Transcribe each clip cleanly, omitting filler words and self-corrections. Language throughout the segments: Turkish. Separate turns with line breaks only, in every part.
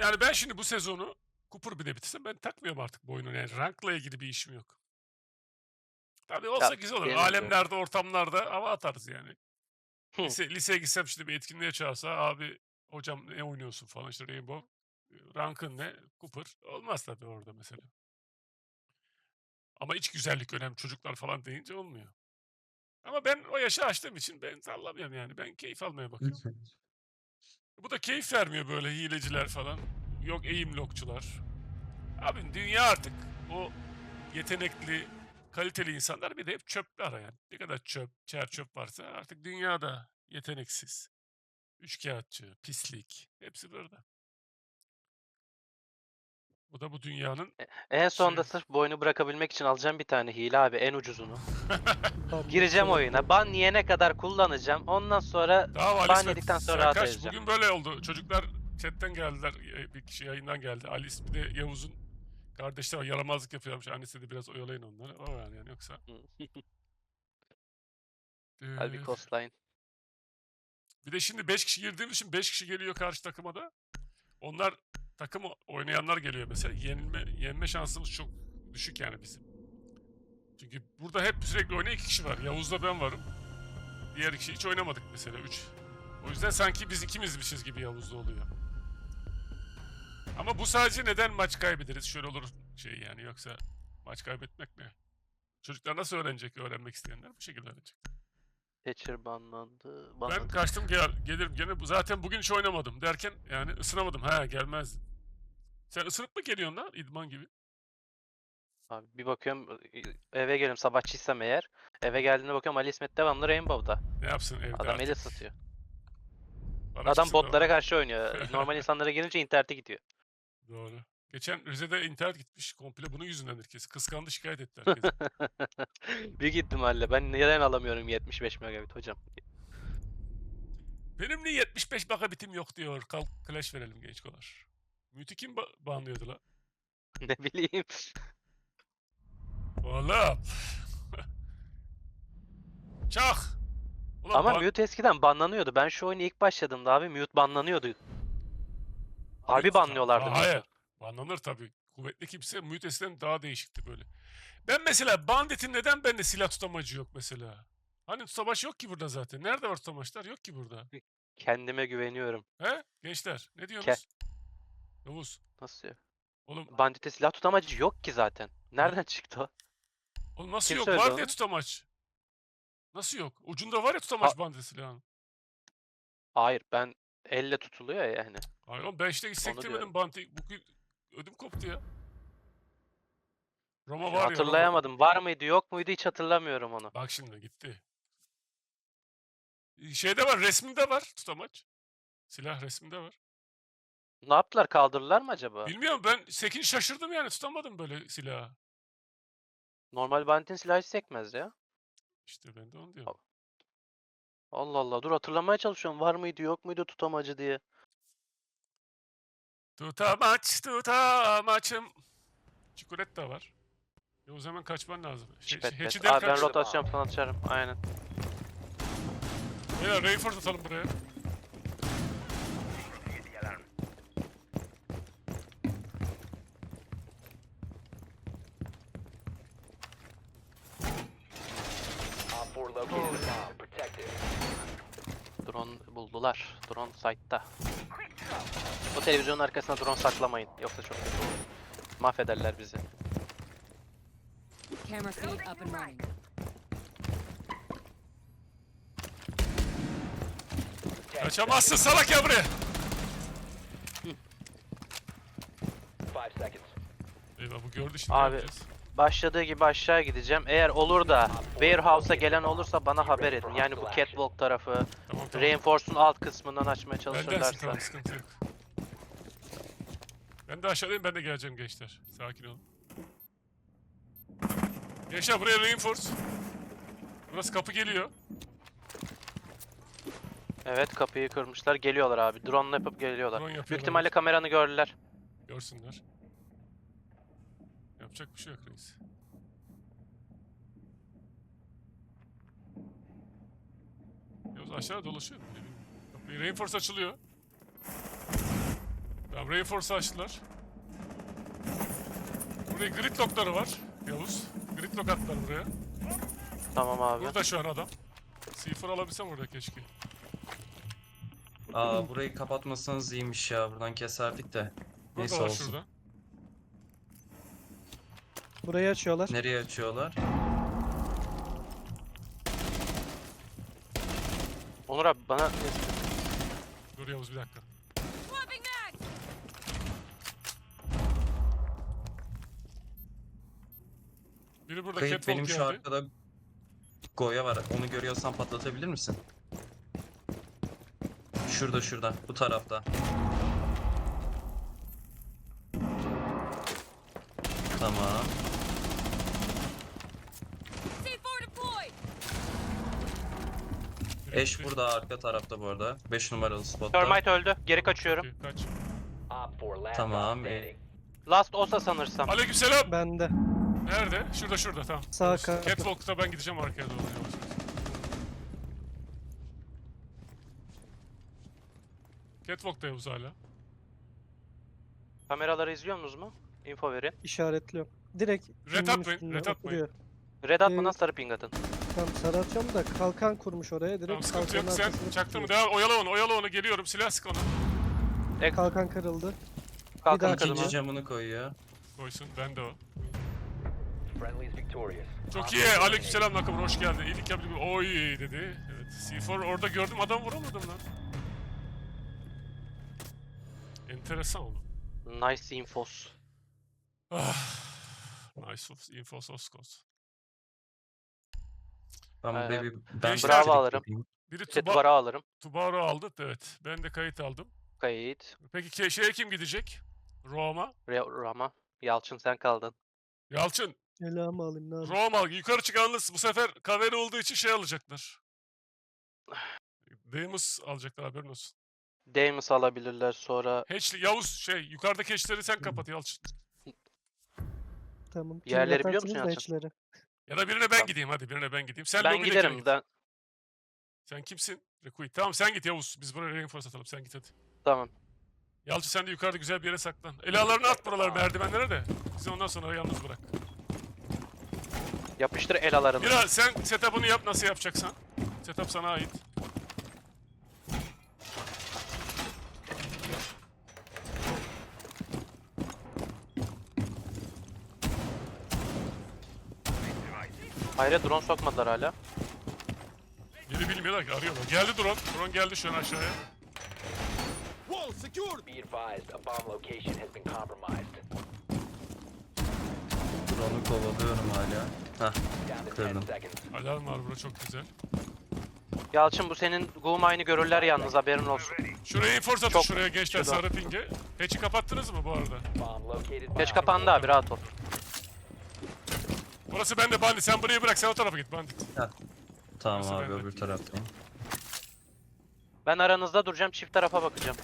Yani ben şimdi bu sezonu Cooper bile bitirsem ben takmıyorum artık bu oyunu. Yani rankla ilgili bir işim yok. Tabii olsa
Ya
güzel olur.
benim de.
Alemlerde, ortamlarda hava atarız yani.
Hı.
Liseye gitsem şimdi bir etkinliğe çağırsa abi hocam ne oynuyorsun falan işte Rainbow. Rankın ne? Cooper. Olmaz tabii orada mesela. Ama iç güzellik önemli. Çocuklar falan deyince olmuyor. Ama ben o yaşı aştığım için ben sallamıyorum yani. Ben keyif almaya bakıyorum. Bu da keyif vermiyor böyle hileciler falan. Yok eğim lokçular. Abi dünya artık o yetenekli, kaliteli insanlar bir de hep çöp arayan. Ne kadar çöp, çer çöp varsa artık dünyada yeteneksiz, üçkağıtçı, pislik hepsi burada. Bu da bu dünyanın
En sonunda
şey.
sırf bu oyunu bırakabilmek için alacağım bir tane hile abi, en ucuzunu. Gireceğim
Banlatacağım
oyuna.
ekranı.
Ban yiyene kadar kullanacağım. Ondan sonra
Tamam Ali
ban
İsmet
yedikten sonra
sen
rahat
kaç?
edeceğim.
Bugün böyle oldu. Çocuklar chatten geldiler. Bir kişi yayından geldi. Ali İsmet de Yavuz'un kardeşleri var. Yaramazlık yapıyormuş. Annesi de biraz oyalayın onları. O yani yoksa.
Hadi
Ee,
coastline.
Bir de şimdi 5 kişi girdiğimiz için 5 kişi geliyor karşı takıma da. Onlar takım oynayanlar geliyor mesela. Yenme şansımız çok düşük yani bizim. Çünkü burada hep sürekli oynayan 2 kişi var. Yavuz'la ben varım. Diğer kişi hiç oynamadık mesela 3. O yüzden sanki biz ikimizmişiz gibi Yavuz'da oluyor. Ama bu sadece neden maç kaybederiz? Şöyle olur şey yani yoksa maç kaybetmek ne? Çocuklar nasıl öğrenecek? Öğrenmek isteyenler bu şekilde öğrenecek.
Thatcher banlandı.
Ben
Banladık.
kaçtım gelirim gene. Zaten bugün hiç oynamadım derken yani ısınamadım. Ha gelmezdim. Sen ısınıp mı geliyorsun lan idman gibi?
Abi bir bakıyorum eve geliyorum sabahçıysam eğer. Eve geldiğinde bakıyorum Ali İsmet devamlı Rainbow'da.
Ne yapsın evde
Adam el
artık?
ısıtıyor.
Bana
Adam
çıksın da
botlara
oradan.
karşı oynuyor. Normal insanlara gelince internete gidiyor.
Doğru. Geçen Rize'de internet gitmiş komple bunun yüzünden herkes. Kıskandı şikayet etti herkesi.
Büyük ihtimalle. Ben neden alamıyorum 75 megabit hocam?
Benim niye 75 megabitim yok diyor. Kalk Clash verelim genç kolar. Mütü kim banlıyordu la?
Ne bileyim.
Oğlum. Çak. Ulan
Ama mute eskiden banlanıyordu. Ben şu oyuna ilk başladığımda abi mute banlanıyordu. Harbi banlıyorlardı
Hayır.
mute'u.
Banlanır tabii. Kuvvetli kimse mute eskiden daha değişikti böyle. Ben mesela Bandit'in neden bende silah tutamacı yok mesela? Hani tutamaç yok ki burada zaten. Nerede var tutamaçlar? Yok ki burada.
Kendime güveniyorum.
He? Gençler ne
Ke
diyorsunuz? Yavuz.
Nasıl ya?
Oğlum,
Bandit'te silah tutamacı yok ki zaten.
lan,
Nereden çıktı o?
oğlum nasıl
Kim
yok?
söyledi
Var diye
onu?
tutamaç. Nasıl yok? Ucunda var ya
Ha
tutamaç Bandit silahın.
hayır ben elle tutuluyor ya yani.
Hayır oğlum ben işte
Onu diyorum.
hissettirmedim Bandit'i. Bugün ödüm koptu ya. Roma
Şimdi
var ya Roma.
hatırlayamadım. Var mıydı yok muydu hiç hatırlamıyorum onu.
Bak şimdi gitti. Şeyde var resminde var tutamaç. Silah resminde var.
Ne yaptılar? Kaldırdılar mı acaba?
Bilmiyorum ben Sekin şaşırdım yani tutamadım böyle silahı.
Normal Bandit'in silahı hiç sekmez ya.
İşte ben de onu diyorum.
Allah Allah. Dur hatırlamaya çalışıyorum. Var mıydı yok muydu tutamacı diye.
Tutamaç tutamaçım. Çikolata var. O zaman kaçman lazım.
Çipet pet.
Hatch'den
Abi ben
kaç.
rotasyon falan açarım. Aynen.
Beyler reinforce atalım buraya.
Op 4 located a bomb. Protect it.
Drone buldular. Drone site'ta. Bu televizyonun arkasına drone saklamayın. Yoksa çok kötü olur. Mahvederler bizi.
Camera feed up and running.
Kaçamazsın salak ya buraya.
5 seconds.
Eyvah bu gördü şimdi
Abi,
ne yapacağız?
başladığı gibi aşağı gideceğim. Eğer olur da Warehouse'a gelen olursa bana haber edin. Yani bu catwalk tarafı,
Tamam.
Reinforce'un alt kısmından açmaya
Bendensin
çalışırlarsa.
tamam sıkıntı yok. Ben de aşağıdayım ben de geleceğim gençler. Sakin olun. Gençler buraya reinforce. Burası kapı geliyor.
Evet kapıyı kırmışlar. Geliyorlar abi. Drone yapıp geliyorlar.
Drone
Büyük
yapıyorlar.
ihtimalle kameranı gördüler.
Görsünler. Yapacak bir şey yok reis. Yavuz aşağı dolaşıyor mu? Kapıyı reinforce açılıyor. Tamam, Reinforce'u açtılar. Buraya gridlock'ları var. Yavuz. Gridlock attılar buraya.
Tamam abi.
Burada şu an adam. C4 alabilsem orada keşke.
Aa, burayı kapatmasanız iyiymiş ya. Buradan keserdik de. Neyse
Burada var
olsun.
şurada.
Burayı açıyorlar.
Nereye açıyorlar?
Onur abi bana
Dur Yavuz bir dakika. Biri burada
Kayıp
catwalk
benim şu
geldi.
arkada Goya var. Onu görüyorsan patlatabilir misin? Şurada. Bu tarafta. Tamam.
C4 deployed.
Biri
Eş
gitti.
burada arka tarafta bu arada. 5 numaralı spotta.
Termite öldü. Geri kaçıyorum.
Okey, kaç.
Op 4 last
Tamam,
stop standing.
Last Osa sanırsam.
Aleykümselam.
Bende.
Nerede? Şurada tamam.
Sağ
Yavuz,
kanat.
Catwalk'ta ben gideceğim arkaya doğru yavaş. Catwalk'ta Yavuz hala.
Kameraları izliyor musunuz mu? Info verin.
İşaretliyorum. Direkt
Red
pingin
atmayın,
üstünde
red atmayın.
oturuyor.
Red atmadan sarı ping atın.
Tamam sarı atıyorum da kalkan kurmuş oraya. Direkt
Tamam sıkıntı yok.
kalkanın
Sen
arkasına
çaktın mı?
tutuyor.
Devam. Oyala onu. Geliyorum. Silah sık ona.
Kalkan kırıldı.
Kalkanı
daha
kırdım.
İkinci
abi.
camını koyuyor.
Koysun. Ben de o.
Friendly's victorious.
Çok
Op
iyi.
4
Aleykümselam Nakamura. Hoş geldin. İyilik yaptı. Oy dedi. Evet. C4 orada gördüm. Adam vuramadım lan. Enteresan oldu.
Nice infos.
Ah. Nice of info soskos.
Ben
Ee,
buraya ben
gençler-
bir
Bravo
trik
alırım.
yapayım.
Biri
Setvar'a alırım.
Tubaru aldı. Evet. Ben de kayıt aldım.
Kayıt.
Peki şeye kim gidecek? Roma.
Rama. Yalçın sen kaldın.
Yalçın.
Elhamı alayım ne yapayım.
Roma. Yukarı çıkanınız bu sefer kaveri olduğu için şey alacaklar. Demus alacaklar haberin olsun.
Damus alabilirler sonra.
Hatchli, Yavuz yukarıdaki hatchleri sen kapat Yalçın.
Tamam. Kim
Yerleri biliyor
yatarsınız
musun
da
Yalçın?
içleri.
Ya da birine ben gideyim hadi birine ben gideyim. Sen
Ben
lobidekine
giderim.
git.
Ben...
Sen kimsin? Rekuit. Tamam sen git Yavuz. Biz buraya reinforce atalım. Sen git hadi.
Tamam.
Yalçın sen de yukarıda güzel bir yere saklan. Elalarını at buralar merdivenlere de. Bizi ondan sonra yalnız bırak.
Yapıştır el alarını.
Mira sen setup'ını yap nasıl yapacaksan. Setup sana ait.
Hayır drone sokmadılar hala.
Biri bilmiyorlar ki arıyorlar. Geldi drone. Drone geldi şu an aşağıya.
Be advised, a bomb location has been compromised.
Drone'u kovalıyorum hala. Hah.
Down to
Kırdım.
10 seconds.
Alarm var burada çok güzel.
Yalçın bu senin Guğmay'ını görürler yalnız haberin olsun.
Şuraya reinforce atın
Çok-
şuraya gençler
şurada.
sarı pinge. Hatch'i kapattınız mı bu arada?
Bomb located.
Geç
by
kapandı abi rahat ol.
Burası bende bandit. Sen burayı bırak sen o tarafa git bandit.
Tamam
Nasıl
abi
bende?
öbür taraftayım.
Ben aranızda duracağım çift tarafa bakacağım.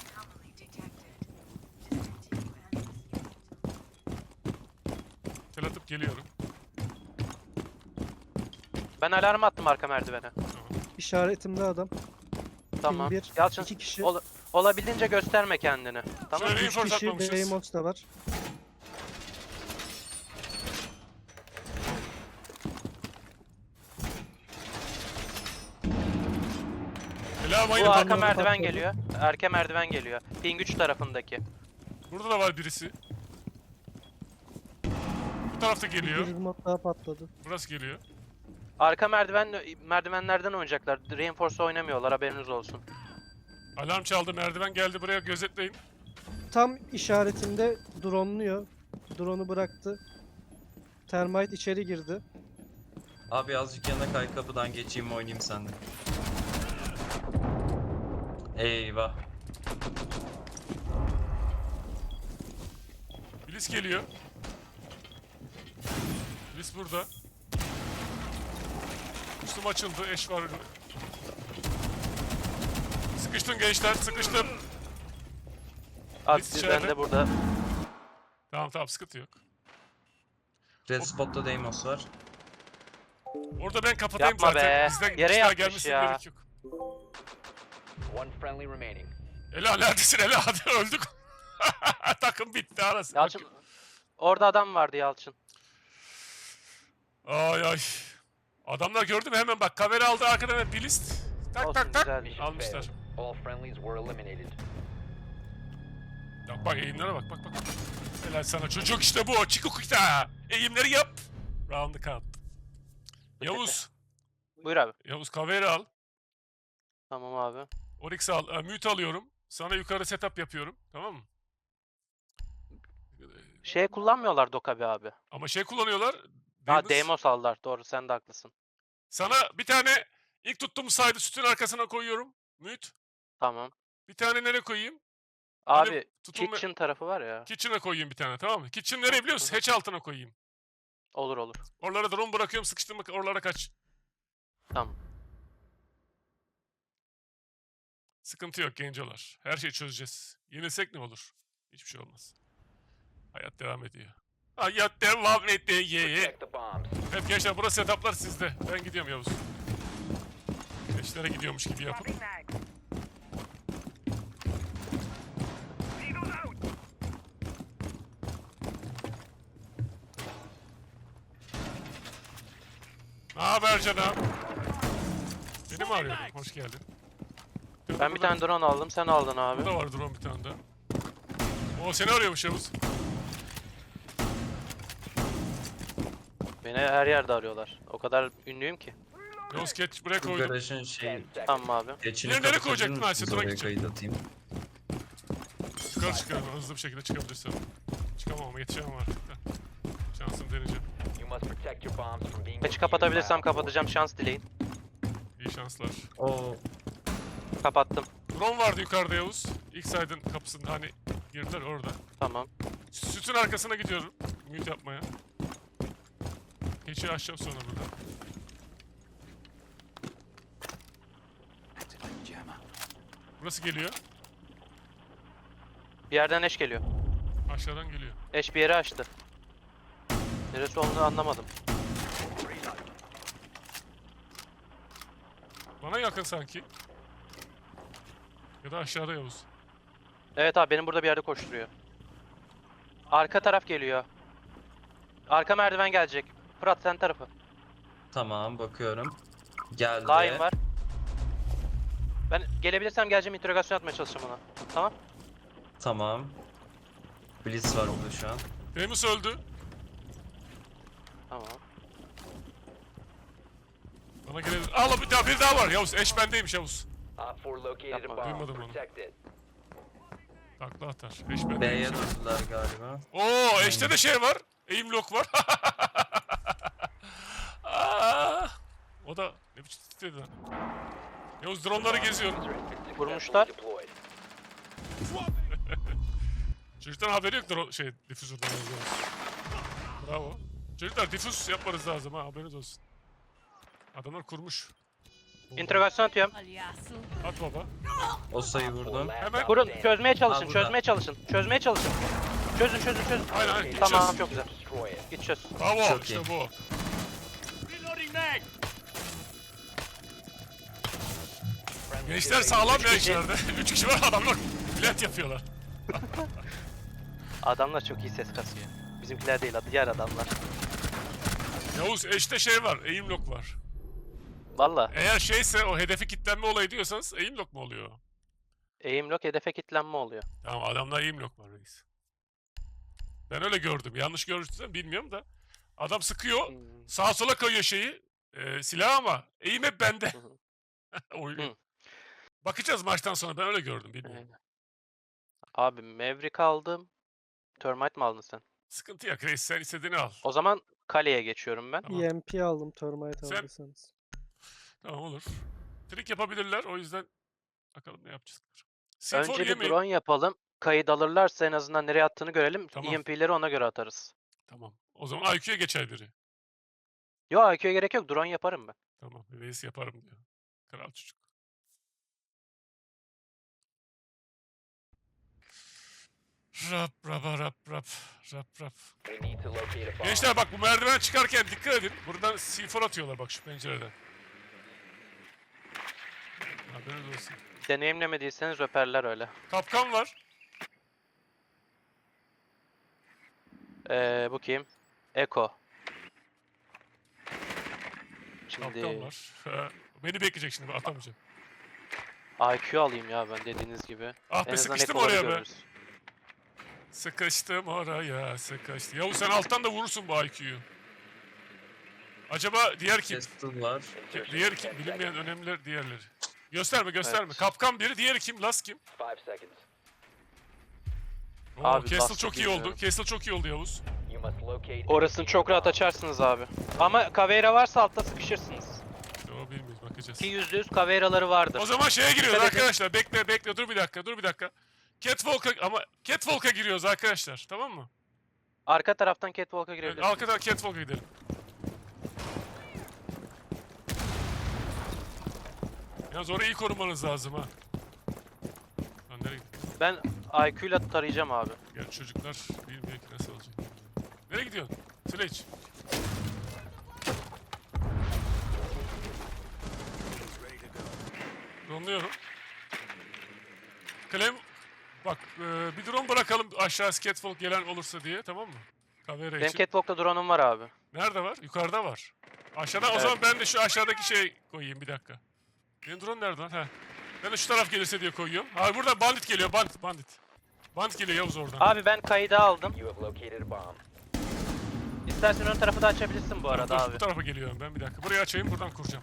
Tel atıp geliyorum.
Ben alarm attım arka merdivene.
İşaretimde adam.
Tamam.
bir,
Yalçın
iki kişi.
olabildiğince gösterme kendini. Tamam.
Şöyle
3
reinforce
kişi
atmamışız.
Behemoth da var.
Selam
Bu
aynı
arka
patladı.
merdiven
patladı.
geliyor. Arka merdiven geliyor. Ping 3 tarafındaki.
Burada da var birisi. Bu tarafta geliyor.
Bir remote daha patladı.
Burası geliyor.
Arka merdivenlerden oynayacaklar. Reinforce oynamıyorlar haberiniz olsun.
Alarm çaldı merdiven geldi buraya gözetleyin.
Tam işaretinde drone'luyor. Drone'u bıraktı. Termite içeri girdi.
Abi azıcık yana kay kapıdan geçeyim oynayayım sende. Eyvah.
Bilis geliyor. Bilis burada. Üstüm açıldı eş var. Sıkıştın gençler sıkıştın.
Az
Biz
ben
içeride.
de burada.
Tamam sıkıntı yok.
Red spot'ta Deimos var.
Orada ben kapatayım
Yapma
zaten.
be.
Bizden
Yere
bir daha
yatmış
gelmesine
ya.
gerek yok.
One friendly remaining.
Ela neredesin Ela hadi öldük. Takım bitti arası.
Yalçın orada adam vardı Yalçın.
Ay ay. Adamlar gördü mü hemen bak kamera aldı arkadan hemen bir list. Tak
Olsun,
tak tak.
güzel.
Mission
Almışlar.
failed. All friendlies were eliminated.
Bak eğimlere bak. Helal sana çocuk işte bu. Çikukita. Eğimleri yap. Round'ı kat. Yavuz.
Buyur abi.
Yavuz kamera al.
Tamam abi.
Oryx al. Mute alıyorum. Sana yukarı setup yapıyorum. Tamam mı?
Şey kullanmıyorlar Dokabi abi.
Ama şey kullanıyorlar.
Ha
Demus.
Deimos aldılar. Doğru sen de haklısın.
Sana bir tane ilk tuttuğum saydı sütün arkasına koyuyorum. Mute.
Tamam.
Bir tane nereye koyayım?
Abi
tutulma-
kitchen tarafı var ya.
Kitchen'a koyayım bir tane tamam mı? Kitchen nereye biliyor musun?
Hı hı.
Hatch altına koyayım.
Olur olur.
Oralara drone bırakıyorum sıkıştırma oralara kaç.
Tamam.
Sıkıntı yok gencolar. Her şeyi çözeceğiz. Yenilsek ne olur? Hiçbir şey olmaz. Hayat devam ediyor. Hayat devam ediyor.
Protect the bombs.
Evet gençler burası setuplar sizde. Ben gidiyorum Yavuz. Gençlere gidiyormuş gibi yapın. Ne haber canım? Beni mi arıyordun? Hoş geldin.
Ben bir tane drone aldım. Sen aldın abi.
Burada var drone bir tane daha. O seni arıyormuş Yavuz.
Beni her yerde arıyorlar. O kadar ünlüyüm ki.
Yavuz geç buraya
Bu
koydum.
garajın şey
10 seconds.
Tamam abi.
geçini
Nereye
kapatabilir
koyacaktın
misiniz?
Ayşe? Dur
Oraya
gideceğim.
kayıt atayım.
Yukarı çıkıyorum hızlı bir şekilde çıkabilirsem. Çıkamam ama yetişemem artık da. Şansımı deneyeceğim.
You must protect your bombs from being
Geç
defused by
kapatabilirsem
Op 4.
kapatacağım. Şans dileyin.
İyi şanslar.
O
Kapattım.
Drone vardı yukarıda Yavuz. İlk saydın kapısında hani girdiler orada.
Tamam.
Sütün arkasına gidiyorum. Mute yapmaya. Keçi açacağım sonra burada. Burası geliyor.
Bir yerden eş geliyor.
Aşağıdan geliyor.
Eş bir yeri açtı. Neresi olduğunu anlamadım.
Bana yakın sanki. Ya da aşağıda Yavuz.
Evet abi benim burada bir yerde koşturuyor. Arka taraf geliyor. Arka merdiven gelecek. Fırat sen tarafı.
tamam bakıyorum. Geldi.
Line var. Ben gelebilirsem geleceğim interrogasyon atmaya çalışacağım ona. Tamam.
Tamam. Blitz var burada şu an.
Demus öldü.
Tamam.
Bana gelebilir. Allah bir daha var Yavuz. Eş bendeymiş Yavuz.
Op 4 located
Yapma.
a bomb.
Duymadım onu.
Protect it.
Takla atar. Eş bendeymiş.
B'ye döndüler galiba.
Oo eşte de şey var. Aim lock var. Aa, o da ne biçim titredi lan. Yavuz dronları geziyorum.
User has been successfully
Vurmuşlar.
deployed.
Çocuktan haberi yok difüzörden yazıyoruz. Bravo. Çocuklar difüz yapmanız lazım ha haberiniz olsun. Adamlar kurmuş.
İnterrogasyon atıyorum.
Palhaço.
At baba.
O sayı vurdum.
Last
Hemen-
Kurun
op
çözmeye çalışın.
Ha, burada.
Çözmeye çalışın. Çözmeye çalışın. Çözün.
Aynen aynen.
Tamam
Gideceğiz.
çok güzel.
Destroy it.
Git çöz.
Bravo
Çok
işte
iyi.
bu. Gençler sağlam ya içeride. 3 kişi var adamlar. Plant yapıyorlar.
Adamlar çok iyi ses kasıyor. Bizimkiler değil, diğer adamlar.
Yavuz eşte şey var. Aim lock var.
Valla
Eğer şeyse o hedefi kilitlenme olayı diyorsanız aim lock mu oluyor?
aim lock hedefe kilitlenme oluyor.
Tamam adamda aim lock var reis. Ben öyle gördüm. Yanlış görürsem bilmiyorum da. Adam sıkıyor. Sağa sola kayıyor silah ama aim hep bende.
Hı hı.
Oynuyor.
Hı.
Bakacağız maçtan sonra. Ben öyle gördüm. Bilmiyorum.
Aynen. Abi Maverick aldım. Termite mi aldın sen?
Sıkıntı yok reis. Sen istediğini al.
O zaman kaleye geçiyorum ben.
Tamam.
EMP aldım termite
Sen-
aldıysanız.
Tamam olur. Trik yapabilirler. O yüzden bakalım ne yapacağız. C4
Önce bir
yemeyin.
drone yapalım. Kayıt alırlarsa en azından nereye attığını görelim.
Tamam.
EMP'leri ona göre atarız.
Tamam. O zaman IQ'ya geçer biri.
Yo IQ'ya gerek yok. Drone yaparım ben.
Tamam. Reis yaparım diyor. Kral çocuk. Rap rap rap rap rap rap.
We need to locate a bomb.
Gençler bak bu merdivene çıkarken dikkat edin. Buradan C4 atıyorlar bak şu pencereden. Haberiniz olsun.
Deneyimlemediyseniz öperler öyle.
Kapkan var.
Bu kim? Eko.
Kaptan
Şimdi
var. Beni bekleyecek şimdi, ben atamayacağım.
IQ alayım ya ben dediğiniz gibi.
Ah be,
En azından
sıkıştım
ekoları
oraya be.
görürüz.
Sıkıştım oraya, sıkıştım. Yavuz sen alttan da vurursun bu IQ'yu. Acaba diğer kim?
Castle var.
Diğer kim? Bilinmeyen önemliler diğerleri. Gösterme gösterme.
Evet.
Kapkan biri, diğeri kim? Last kim?
5 seconds.
Oo,
Abi,
Castle
Last'ı
çok iyi oldu.
bilmiyorum.
Castle çok iyi oldu Yavuz.
You must locate.
Orasını çok rahat açarsınız abi. Ama Caveira varsa altta sıkışırsınız.
İşte o bilmiyoruz, bakacağız.
Ki %100 Caveira'ları vardır.
O zaman şeye giriyoruz
Dikkat edin.
arkadaşlar. Bekle bekle, dur bir dakika, dur bir dakika. Catwalk'a giriyoruz arkadaşlar, tamam mı?
Arka taraftan Catwalk'a
Evet,
girebilirsiniz.
arkadan Catwalk'a gidelim. Yalnız orayı iyi korumanız lazım ha. Lan nereye gidiyorsun?
Ben IQ ile tarayacağım abi.
Gel, çocuklar bilmiyor ki nasıl olacak. Nereye gidiyorsun? Sledge. Dronluyorum. Clem, bak bir drone bırakalım aşağı Catwalk gelen olursa diye, tamam mı? Kamera
Benim
için.
Catwalk'ta drone'um var abi.
Nerede var? Yukarıda var. Aşağıda o
Evet.
zaman ben de şu aşağıdaki şey koyayım, bir dakika. Benim drone nerede lan? Heh. Ben de şu taraf gelirse diye koyuyorum. Abi burada bandit geliyor, bandit. Bandit geliyor Yavuz oradan.
Abi ben kaydı aldım.
You have located a bomb.
İstersen ön tarafı da açabilirsin bu arada
Dur,
abi.
bu tarafa geliyorum ben, bir dakika. Burayı açayım, buradan kuracağım.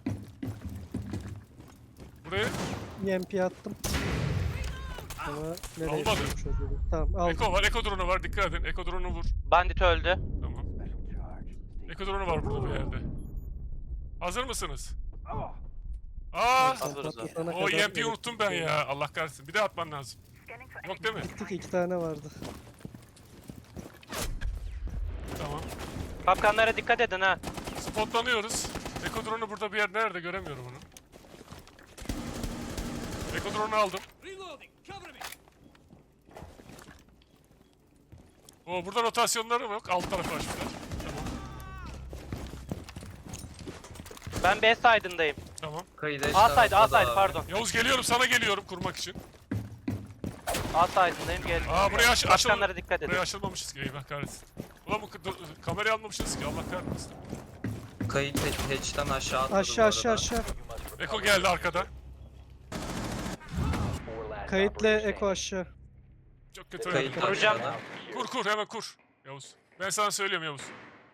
Burayı
EMP attım. Ama nereye
Olmadı.
koymuş o dedi. Tamam aldım.
Eko var, Eko drone'u var, dikkat edin. Eko drone'u vur.
Bandit öldü.
Tamam. Eko drone'u var burada bir yerde. Hazır mısınız? Aa!
Hazırız abi.
Patlatana
O
kadar
EMP'yi unuttum ben ya. Allah kahretsin. Bir de atman lazım. Yok değil mi?
Gittik, 2 tane vardı.
Tamam.
Kapkanlara dikkat edin ha.
Spotlanıyoruz. Eko drone'u burada bir yer nerede, göremiyorum onu. Eko drone'u aldım. O burada rotasyonları mı yok? Alt tarafı açmışlar. Tamam.
Ben B side'ındayım.
Tamam.
Kayıda
A side, A side pardon.
Yavuz geliyorum, sana geliyorum kurmak için.
A side'ındayım gel.
Aa, buraya açıl.
Kapkanlara dikkat edin.
Buraya açılmamışız ki, eyvah kahretsin. Ulan bu kamerayı almamışız ki, Allah kahretsin.
Kayıt hatch'ten aşağı atladı
Aşağı
bu
aşağı
arada.
aşağı.
You must recover
Eko geldi arkadan.
4 last
Kayıtlı
operators
Eko
standing.
aşağı.
Çok kötü
Kayıt
oynadım.
Kuracağım.
aşağıda.
Kur hemen kur. Yavuz. Ben sana söylüyorum Yavuz.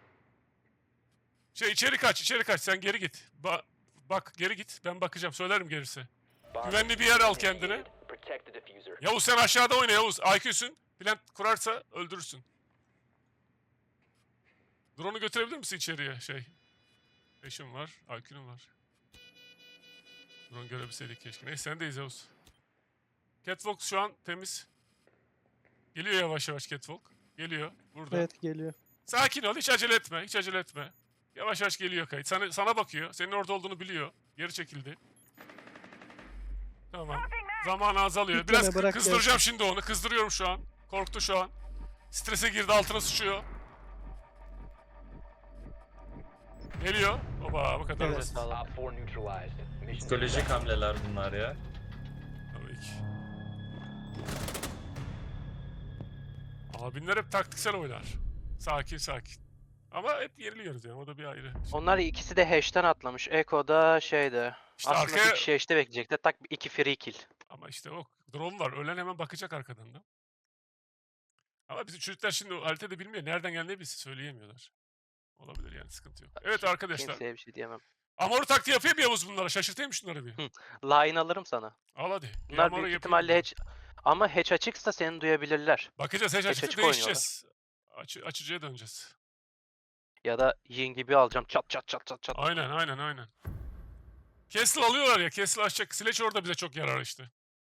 İçeri kaç sen geri git. Bak geri git, ben bakacağım, söylerim gelirse.
Bomb
Güvenli bir yer al kendine.
Protect the diffuser.
Yavuz sen aşağıda oyna Yavuz. IQ'sun. Plant kurarsa öldürürsün. Drone'u götürebilir misin içeriye Eşim var, IQ'nun var. Drone görebilseydik keşke. Neyse sendeyiz Yavuz. Catwalk şu an temiz. Geliyor yavaş yavaş Catwalk. Geliyor burada.
Evet geliyor.
Sakin ol, hiç acele etme, hiç acele etme. Yavaş yavaş geliyor kayıt. Sana bakıyor, senin orada olduğunu biliyor. Geri çekildi. Tamam. Zamanı azalıyor.
Yükleme,
Biraz
bırak
kızdıracağım şimdi onu. Kızdırıyorum şu an. Korktu şu an. Strese girdi, altına sıçıyor. Geliyor. Oba, bu kadar
Evet.
basit.
Sağ olun.
Op 4 neutralized. Mission
Psikolojik
success.
hamleler bunlar ya.
Tabii ki. Abinler hep taktiksel oynar. Sakin sakin. Ama hep yeniliyoruz yani, o da bir ayrı.
Onlar ikisi de hash'ten atlamış. Eko da şeyde.
İşte
Aslında
arkaya...
bir kişi hash'te bekleyecekler. Tak 2 free kill.
Ama işte o drone var. Ölen hemen bakacak arkadan da. Ama bizim çocuklar şimdi o haritada bilmiyor. Nereden geldiğini bilse söyleyemiyorlar. Olabilir yani, sıkıntı yok. Evet arkadaşlar.
Kimseye bir şey diyemem.
Amor taktiği yapayım mı Yavuz bunlara? Şaşırtayım şunları bir.
Line alırım sana.
Al hadi. Bir
Bunlar
Amor'u
büyük
yapayım
ihtimalle
mı?
hatch... Ama hatch açıksa seni duyabilirler.
Bakacağız. Hiç
açık
açıkta
oynuyorlar.
değişeceğiz. Açıcıya döneceğiz.
Ya da yin gibi alacağım. Çat çat çat çat çat.
Aynen. Castle alıyorlar ya. Castle açacak. Sledge orada bize çok yarar işte.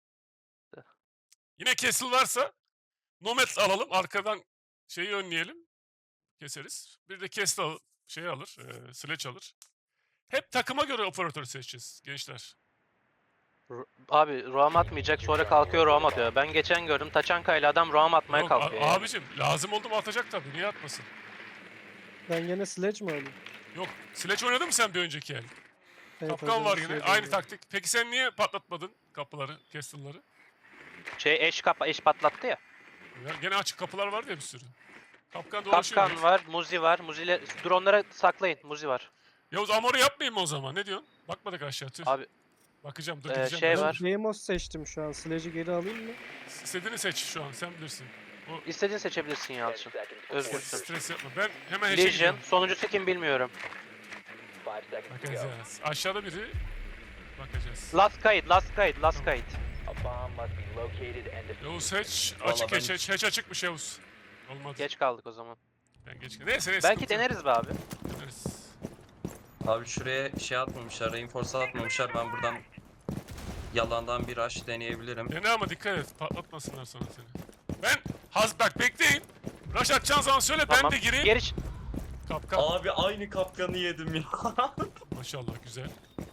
Yine Castle varsa Nomad alalım. Arkadan önleyelim. Keseriz. Bir de Castle alır. Sledge alır. Hep takıma göre operatör seçeceğiz gençler.
Abi roam atmayacak sonra kalkıyor roam atıyor. Ben geçen gördüm Taçanka ile adam roam atmaya
Yok,
kalkıyor. yani.
abicim lazım oldu mu atacak tabii. Niye atmasın?
Ben gene sledge mi alayım?
Yok. Sledge oynadın mı sen bir önceki el?
Evet,
Kapkan
hocam,
var yine.
sledge
Aynı
alayım.
taktik. Peki sen niye patlatmadın kapıları, castle'ları?
Eş patlattı ya.
Ya gene açık kapılar vardı ya bir sürü. Kapkan dolaşıyor.
Kapkan var, Muzi var. Muzi'yle drone'lara saklayın. Muzi var.
Yavuz Amor'u yapmayayım mı o zaman? Ne diyorsun? Bakmadık aşağı tüh.
Abi
Bakacağım dur
Ee,
gideceğim.
şey
ben.
var.
Deimos seçtim şu an. Sledge'i geri alayım mı?
İstediğini seç şu an sen bilirsin. O
istediğin seçebilirsin
10
Yalçın.
seconds before
Özgürsün.
stres yapma. Ben hemen hatch'e
Legion.
gidiyorum.
Sonuncusu kim bilmiyorum.
5 seconds to go.
Bakacağız. Aşağıda biri. Bakacağız.
Last kayıt, last kayıt, last kayıt.
A bomb must be located and defused.
Yavuz hatch
Vallahi
açık
ben-
hatch açıkmış Yavuz. Olmadı.
Geç kaldık o zaman.
Ben geç. Neyse
Belki
sıkıntı yok.
deneriz be abi.
Deneriz.
Abi şuraya şey atmamışlar, reinforce atmamışlar. Ben buradan yalandan bir rush deneyebilirim.
Dene ama dikkat et. Patlatmasınlar sonra seni. Ben bak bekleyin. Rush atacağın zaman söyle
Tamam.
ben de gireyim.
Geri
Kapkan.
Abi aynı kapkanı yedim ya.
Maşallah güzel.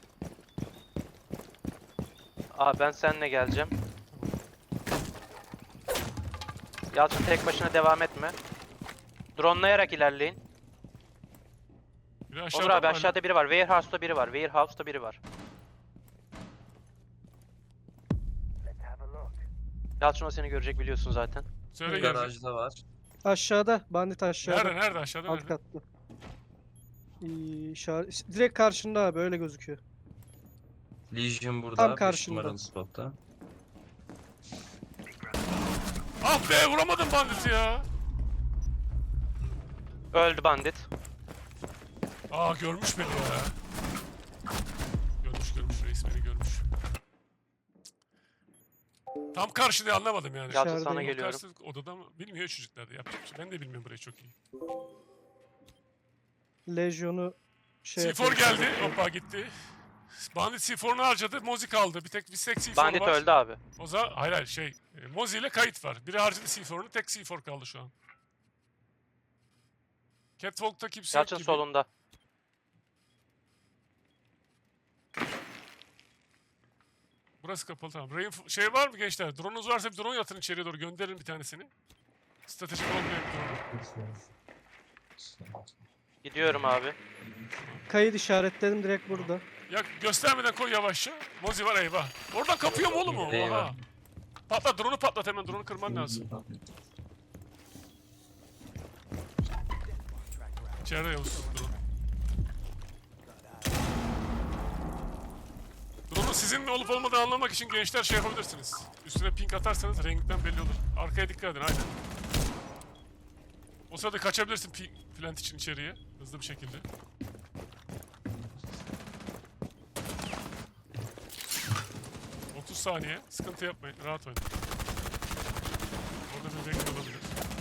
Aa ben seninle geleceğim. Yalçın tek başına devam etme. Dronelayarak ilerleyin.
Biri
Onur
aşağıda
abi
mı
aşağıda biri var. Warehouse'da biri var. Warehouse'da biri var. Yalçın o seni görecek biliyorsun zaten.
hala? Söyle gelecek.
Garajda var.
Aşağıda. Bandit aşağıda.
Nerede aşağıda
Alt
nerede?
katta. Direkt karşında abi öyle gözüküyor.
Legion burada.
Tam
5
karşında.
numaralı spotta.
Ah be vuramadım banditi ya.
Öldü bandit.
Aa görmüş beni ya. Görmüş reis beni görmüş. Tam karşı diye anlamadım yani.
Yalçın
Dışarıdayım.
sana geliyorum.
Karşı odada mı? Bilmiyor çocuklar da yapacak bir şey. Ben de bilmiyorum burayı çok iyi.
Legion'u şey
C4
yapıyor.
geldi. Hoppa gitti. Bandit C4'unu harcadı. Mozi kaldı. Bir tek Visek C4
Bandit
var.
öldü abi.
O zaman hayır Mozi ile kayıt var. Biri harcadı C4'unu. Tek C4 kaldı şu an. Catwalk'ta kimse yok
Yalçın
gibi.
solunda.
Burası kapalı tamam. Şey var mı gençler? Drone'unuz varsa bir drone yatın içeriye doğru. Gönderin bir tanesini. Stratejik olmayan bir drone.
Gidiyorum abi.
Kayıt işaretledim direkt burada.
Ya göstermeden koy yavaşça. Mozi var eyvah. Oradan kapıyor mu oğlum o?
Eyvah.
Oha. Patlat drone'u patlat hemen. Drone'u kırman lazım. İçeride Yavuz drone. Drone'un sizin olup olmadığını anlamak için gençler şey yapabilirsiniz. Üstüne ping atarsanız renginden belli olur. Arkaya dikkat edin aynen. O sırada kaçabilirsin plant için içeriye. Hızlı bir şekilde. Saniye. Sıkıntı yapmayın. Rahat oynayın. Orada bir renk olabilir.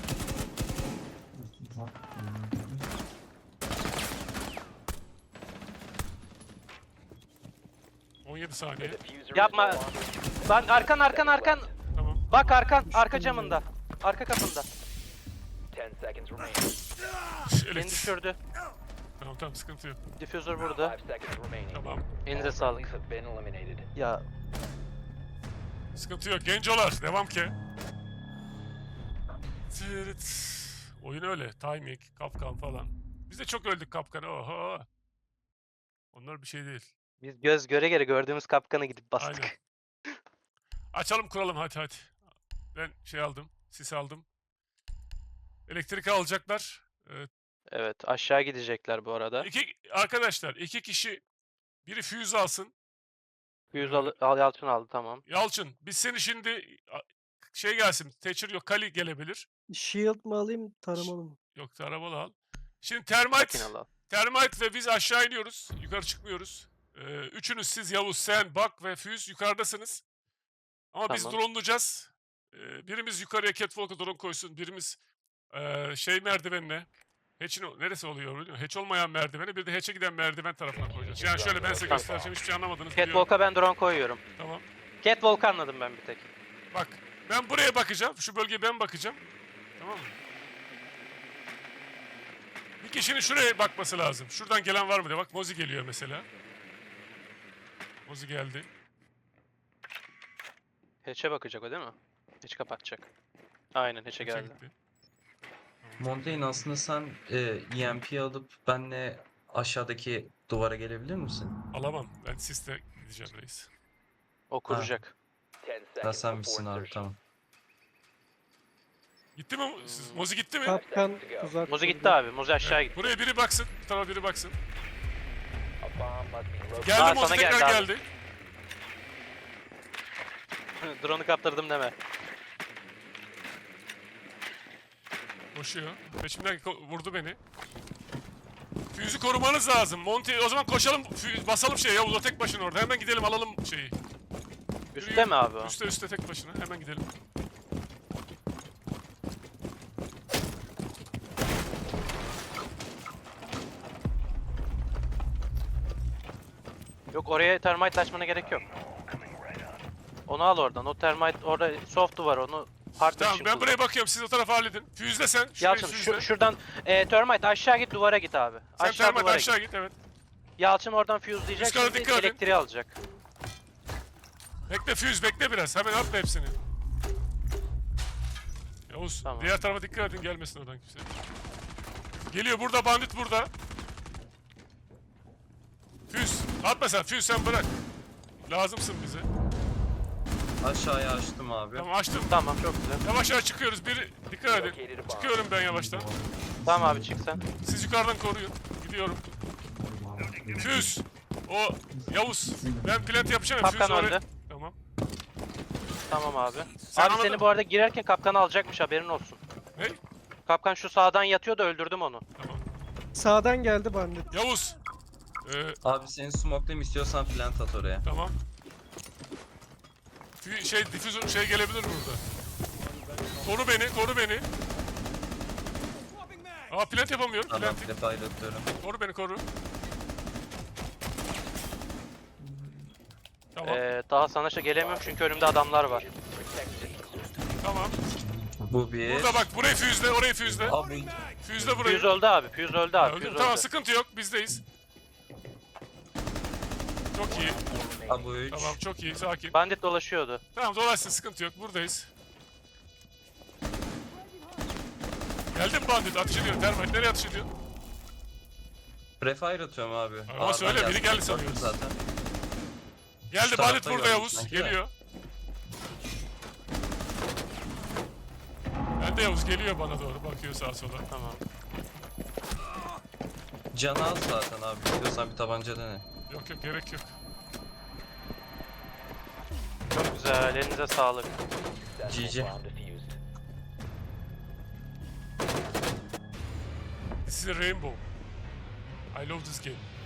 saniye.
Yapma. Lan arkan.
Tamam.
Bak arka camında. Arka kapında.
10 seconds remaining.
Beni
Elektrik.
düşürdü.
Tamam sıkıntı yok.
Diffuser burada.
5 seconds remaining.
Tamam.
Elinize sağlık.
Have been eliminated.
Ya
Sıkıntı yok. Gencolar. Devam ki. Tırıt. Oyun öyle. Timing, kapkan falan. Biz de çok öldük kapkana. Oho. Onlar bir şey değil.
biz göz göre göre gördüğümüz kapkana gidip bastık.
Aynen. Açalım kuralım hadi. Ben şey aldım. Sis aldım. Elektrik alacaklar.
Evet aşağı gidecekler bu arada.
Arkadaşlar iki kişi biri füze alsın.
Yalçın aldı tamam.
Yalçın biz seni şimdi şey gelsin. Thatcher yok. Kali gelebilir.
Shield mı alayım, taramalı mı?
Yok arabalı al. Şimdi termite
Makinalı al.
ve biz aşağı iniyoruz. Yukarı çıkmıyoruz. Üçünüz siz Yavuz, sen, Bak ve Füz yukarıdasınız. Ama biz
Tamam.
drone'layacağız. Birimiz yukarıya catwalk'a drone koysun. Birimiz şey merdivenine. Hatch'in neresi oluyor biliyor musun? Hatch olmayan merdiveni bir de hatch'e giden merdiven tarafına koyacağız. Yani şöyle ben size
Tamam.
göstereceğim. Hiçbir şey anlamadınız biliyorum.
Catwalk'a ben drone koyuyorum.
Tamam.
Catwalk'ı anladım ben bir tek.
Bak ben buraya bakacağım. Şu bölgeye ben bakacağım. Tamam mı? Bir kişinin şuraya bakması lazım. Şuradan gelen var mı diye. Bak Mozi geliyor mesela. Mozi geldi.
Hatch'e bakacak o değil mi? Hatch kapatacak. Aynen hatch'e
Hatch'e
geldi.
gitti.
Montaigne aslında sen EMP alıp benle aşağıdaki duvara gelebilir misin?
Alamam. Ben siste gideceğim reis.
O kuracak.
10
Ha
seconds
sen
before
misin abi
insertion.
tamam.
Gitti mi? Mozi gitti mi?
Kapkan uzak.
Muzi gitti
durdu.
abi. Muzi aşağı
Evet,
gitti.
buraya biri baksın. Bu tarafa biri baksın.
A bomb must be located.
Geldi
Aa,
Mozi
sana
tekrar
geldi abi.
geldi.
Drone'u kaptırdım deme.
Koşuyor. Peşimden vurdu beni. Füyüzü korumanız lazım. Monty o zaman koşalım. Basalım şeye Yavuz o tek başına orada. Hemen gidelim alalım şeyi.
Üstte mi abi o?
Üste tek başına. Hemen gidelim.
Yok oraya termite açmana gerek yok. Onu al oradan. O termite orada soft var onu hard
Tamam
için
ben
kullan.
buraya bakıyorum. Siz o tarafa halledin. Füyüzle sen. Şurayı
Yalçın
füyüzle.
şuradan termite aşağı git duvara git abi.
Sen
Aşağı
termite
duvara
aşağı
git.
git evet.
Yalçın oradan fuse'layacak
Üst kata
şimdi
dikkat edin.
elektriği alacak.
Bekle füyüz bekle biraz. Hemen atma hepsini. Yavuz
Tamam.
diğer tarafa dikkat edin gelmesin oradan kimse. Geliyor burada bandit burada. Füyüz atma sen füyüz sen bırak. Lazımsın bize.
Aşağıya açtım abi.
Tamam açtım.
Tamam çok güzel.
Yavaş yavaş çıkıyoruz. Bir dikkat edin. Çıkıyorum ben yavaştan.
Tamam abi çık sen.
Siz yukarıdan koruyun. Gidiyorum. Füyüz. O Yavuz. Ben plant yapacağım. ya,
Kapkan
füyüz oraya-
öldü.
Tamam.
Tamam abi.
Sen
Abi
anladın
seni
mı?
bu arada girerken kapkanı alacakmış haberin olsun.
Ne?
Kapkan şu sağdan yatıyor da öldürdüm onu.
Tamam.
Sağdan geldi bandit.
Yavuz.
Abi seni smoke'layayım istiyorsan plant at oraya.
Tamam. Difüzör şey gelebilir burada. Koru beni, koru beni. Aa plant yapamıyorum.
Tamam
Plant.
defile atıyorum.
Koru beni, koru. Tamam,
Daha sana gelemiyorum çünkü önümde adamlar var.
tamam.
Bu bir.
Burada bak, burayı füzle, orayı füzle.
Abi
Füzle burayı.
Fuse öldü abi. Fuse öldü abi.
Öldüm.
Fuse
Tamam,
öldü.
sıkıntı yok, bizdeyiz. Çok iyi.
Abi 3.
Tamam, çok iyi, sakin.
Bandit dolaşıyordu.
Tamam, dolaşsın, sıkıntı yok, buradayız. Geldi mi bandit? Ateş ediyor. Termite nereye ateş ediyor?
Prefire atıyorum abi.
Ama
Ağırdan
söyle, biri
gelsin,
geldi
gördüm
sanıyoruz.
Zaten.
Geldi
Şu
bandit
tarafta
burada
gördüm
Yavuz.
sanki de.
Geliyor. Ben de Yavuz geliyor bana doğru. Bakıyor sağa sola.
Tamam.
Canı az zaten abi. İstiyorsan bir tabanca dene.
Yok yok, gerek yok.
Çok güzel. Elinize sağlık.
GG.
Bomb defused.
This is a rainbow. I love this game.